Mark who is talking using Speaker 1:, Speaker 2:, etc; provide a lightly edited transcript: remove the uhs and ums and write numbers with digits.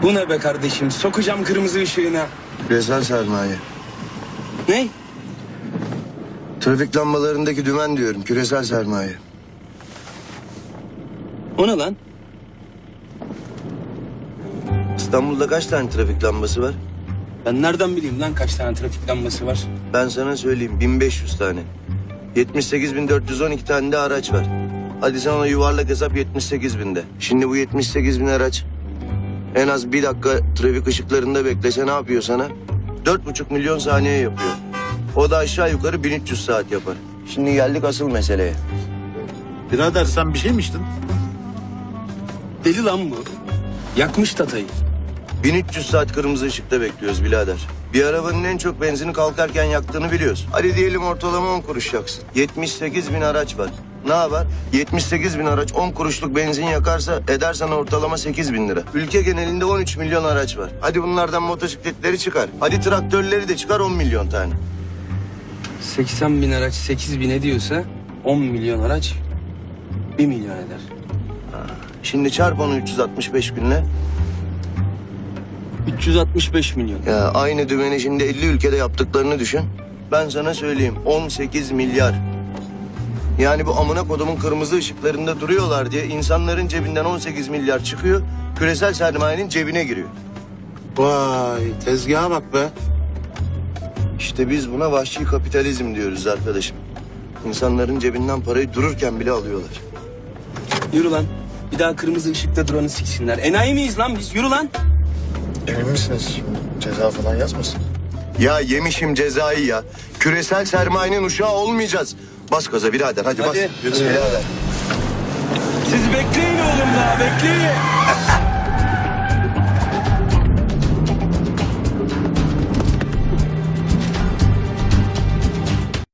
Speaker 1: Bu ne be kardeşim? Sokacağım kırmızı ışığına.
Speaker 2: Küresel sermaye.
Speaker 1: Ne?
Speaker 2: Trafik lambalarındaki dümen diyorum. Küresel sermaye.
Speaker 1: O ne lan?
Speaker 2: İstanbul'da kaç tane trafik lambası var?
Speaker 1: Ben nereden bileyim lan kaç tane trafik lambası var?
Speaker 2: Ben sana söyleyeyim 1500 tane. 78.412 tane de araç var. Hadi sen ona yuvarlak hesap 78.000'de. Şimdi bu 78.000 araç en az bir dakika trafik ışıklarında beklese ne yapıyor sana? 4,5 milyon saniye yapıyor. O da aşağı yukarı 1300 saat yapar. Şimdi geldik asıl meseleye.
Speaker 3: Birader sen bir şey mi içtin?
Speaker 1: Deli lan bu. Yakmış tatayı.
Speaker 2: 1300 saat kırmızı ışıkta bekliyoruz birader. Bir arabanın en çok benzini kalkarken yaktığını biliyoruz. Hadi diyelim ortalama 10 kuruş yaksın. 78.000 araç var. Ne yapar? 78.000 araç 10 kuruşluk benzin yakarsa eder sana ortalama 8.000 lira. Ülke genelinde 13 milyon araç var. Hadi bunlardan motosikletleri çıkar. Hadi traktörleri de çıkar 10 milyon tane.
Speaker 1: 80 bin araç 8 bin ediyorsa 10 milyon araç 1 milyon eder.
Speaker 2: Şimdi çarp onu 365 günle.
Speaker 1: 365 milyon.
Speaker 2: Ya aynı dümeni şimdi 50 ülkede yaptıklarını düşün. Ben sana söyleyeyim 18 milyar. Yani bu amına kodumun kırmızı ışıklarında duruyorlar diye insanların cebinden 18 milyar çıkıyor. Küresel sermayenin cebine giriyor.
Speaker 3: Vay tezgaha bak be.
Speaker 2: İşte biz buna vahşi kapitalizm diyoruz arkadaşım. İnsanların cebinden parayı dururken bile alıyorlar.
Speaker 1: Yürü lan. Bir daha kırmızı ışıkta duranı siksinler. Enayi miyiz lan biz? Yürü lan.
Speaker 4: Emin misiniz? Ceza falan yazmasın?
Speaker 2: Ya yemişim cezayı ya. Küresel sermayenin uşağı olmayacağız. Bas gaza birader hadi bas.
Speaker 1: Hadi.
Speaker 2: Birader.
Speaker 1: Siz bekleyin oğlum daha bekleyin.